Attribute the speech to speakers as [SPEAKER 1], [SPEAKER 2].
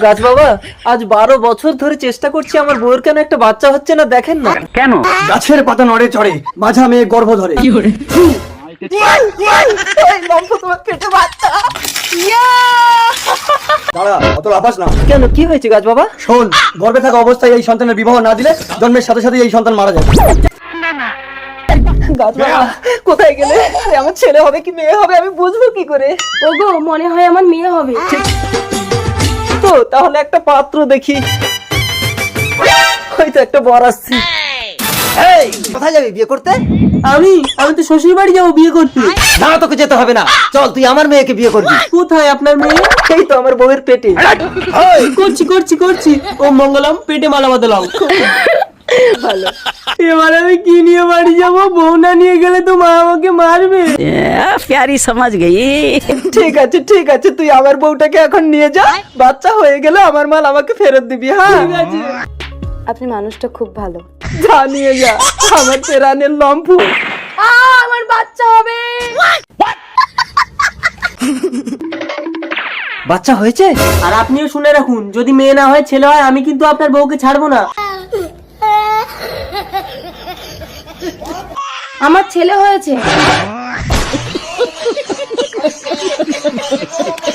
[SPEAKER 1] গাছ বাবা, আজ 12 বছর ধরে চেষ্টা করছি, আমার বউয়ের কেন একটা বাচ্চা হচ্ছে না, দেখেন না
[SPEAKER 2] কেন?
[SPEAKER 3] গাছের পাতা নড়ে চড়ে, মাঝা মেয়ে গর্ভ ধরে। দাঁড়া, অত লাফাস না।
[SPEAKER 1] কেন, কি হয়েছে গাছ বাবা?
[SPEAKER 3] শোন, গর্ভে থাকা অবস্থায় এই সন্তানের বিবাহ না দিলে জন্মের সাথে সাথে এই সন্তান মারা যাবে।
[SPEAKER 1] গাছ বাবা কোথায় গেলে? আরে আমার ছেলে হবে কি মেয়ে হবে আমি বুঝবো কি করে?
[SPEAKER 4] ওগো, মনে হয় আমার মেয়ে হবে।
[SPEAKER 1] তো তাহলে একটা পাত্র দেখি, হয়তো একটা বর আসছে।
[SPEAKER 3] এই, কোথায় যাবি বিয়ে করতে?
[SPEAKER 1] আমি তো শ্বশুর বাড়ি যাবো বিয়ে করতে।
[SPEAKER 3] না, তোকে যেতে হবে না, চল তুই আমার মেয়েকে বিয়ে করবি।
[SPEAKER 1] কোথায় আপনার মেয়ে? এই তো আমার বউয়ের পেটে।
[SPEAKER 3] এই,
[SPEAKER 1] করছি। ও মঙ্গলম, পেটে মালা বাঁধলাম। ভালো। এবার আমি কি নিয়ে বাড়ি যাবো? বউ না নিয়ে গেলে তো মা আমাকে মারবে।
[SPEAKER 2] प्यारी समझ गई।
[SPEAKER 1] ঠিক আছে, তুই আমার বউটাকে এখন নিয়ে যা, বাচ্চা হয়ে গেলে আমার মাল আমাকে ফেরত দিবি। হ্যাঁ ঠিক আছে।
[SPEAKER 4] আপনি মানুষটা খুব ভালো।
[SPEAKER 1] যা নিয়ে যা আমার তেরানের লম্ফু।
[SPEAKER 4] আমার বাচ্চা হবে।
[SPEAKER 1] বাচ্চা হয়েছে? আর আপনিও শুনে রাখুন, যদি মেয়ে না হয় ছেলে হয়, আমি কিন্তু আপনার বউকে ছাড়বো না।
[SPEAKER 4] আমার ছেলে হয়েছে।